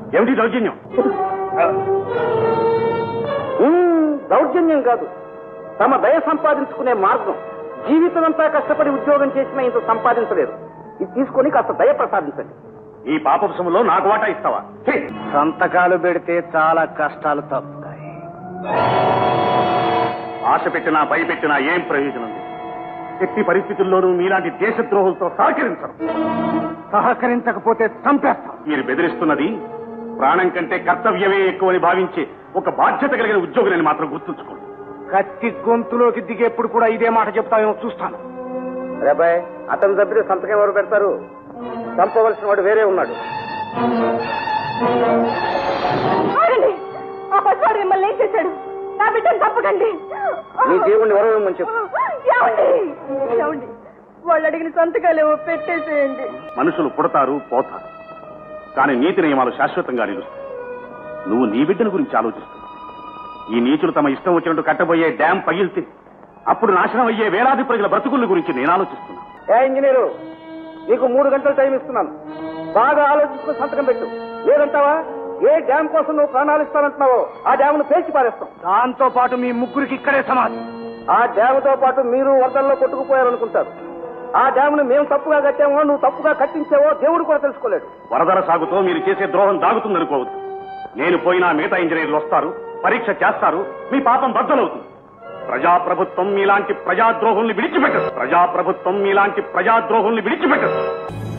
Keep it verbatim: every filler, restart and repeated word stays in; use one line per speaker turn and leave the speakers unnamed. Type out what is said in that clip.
ఏమిటి దౌర్జన్యం?
దౌర్జన్యం కాదు, తమ దయ సంపాదించుకునే మార్గం. జీవితం అంతా కష్టపడి ఉద్యోగం చేసినా ఇంత సంపాదించలేదు. ఇది తీసుకొని కాస్త దయ ప్రసాదించండి.
ఈ పాపంశంలో నాకు వాటా ఇస్తావా?
సంతకాలు పెడితే చాలా కష్టాలు తప్పుతాయి.
ఆశ పెట్టినా భయపెట్టినా ఏం ప్రయోజనం లేదు. ఎట్టి పరిస్థితుల్లోనూ మీలాంటి దేశద్రోహులతో సహకరించరు.
సహకరించకపోతే చంపేస్తాం.
మీరు బెదిరిస్తున్నది ప్రాణం కంటే కర్తవ్యమే ఎక్కువని భావించే ఒక బాధ్యత కలిగిన ఉద్యోగులని మాత్రం గుర్తుంచుకోండి.
కత్తి గొంతులోకి దిగేప్పుడు కూడా ఇదే మాట చెప్తామేమో చూస్తాను. రేబాయ్, అతని దగ్గర సంతకం ఎవరు పెడతారు? చంపవలసిన వాడు వేరే ఉన్నాడు.
ఆ పసివాడు మిమ్మల్ని ఏం చేశాడు? నా బిడ్డను తప్పకండి.
నీ దేవుణ్ణి ఎవరు చెప్పు.
ఏమండి, వాళ్ళు అడిగిన సంతకాలేవో పెట్టేసేయండి.
మనుషులు పుడతారు పోతారు, కానీ నీతి నియమాలు శాశ్వతంగా నిలుస్తాయి. నువ్వు నీ బిడ్డల గురించి ఆలోచిస్తున్నావు. ఈ నీచులు తమ ఇష్టం వచ్చినట్టు కట్టబోయే డ్యాం పగిలితే అప్పుడు నాశనం అయ్యే వేలాది ప్రజల బ్రతుకుల గురించి నేను ఆలోచిస్తున్నా.
ఏ ఇంజనీరు, నీకు మూడు గంటలు టైం ఇస్తున్నాను. బాగా ఆలోచించుకుని సంతకం పెట్టు. లేదంటావా ఏ డ్యాం కోసం నువ్వు ప్రాణాలు ఇస్తానంటున్నావో ఆ డ్యామ్ను పేల్చి పారేస్తాం. దాంతో పాటు మీ ముగ్గురికి ఇక్కడే సమాధి. ఆ డ్యాముతో పాటు మీరు వరదల్లో కొట్టుకుపోయారనుకుంటారు. ఆ డ్యామును మేము తప్పుగా కట్టామో నువ్వు తప్పుగా కట్టించావో దేవుడు కూడా తెలుసుకోలేడు.
వరదల సాగుతో మీరు చేసే ద్రోహం దాగుతుందనుకోవద్దు. నేను పోయినా మిగతా ఇంజనీర్లు వస్తారు, పరీక్ష చేస్తారు, మీ పాపం బద్దలవుతుంది. ప్రజాప్రభుత్వం మీలాంటి ప్రజాద్రోహుల్ని విడిచిపెట్టదు. ప్రజాప్రభుత్వం మీలాంటి ప్రజాద్రోహుల్ని విడిచిపెట్టదు.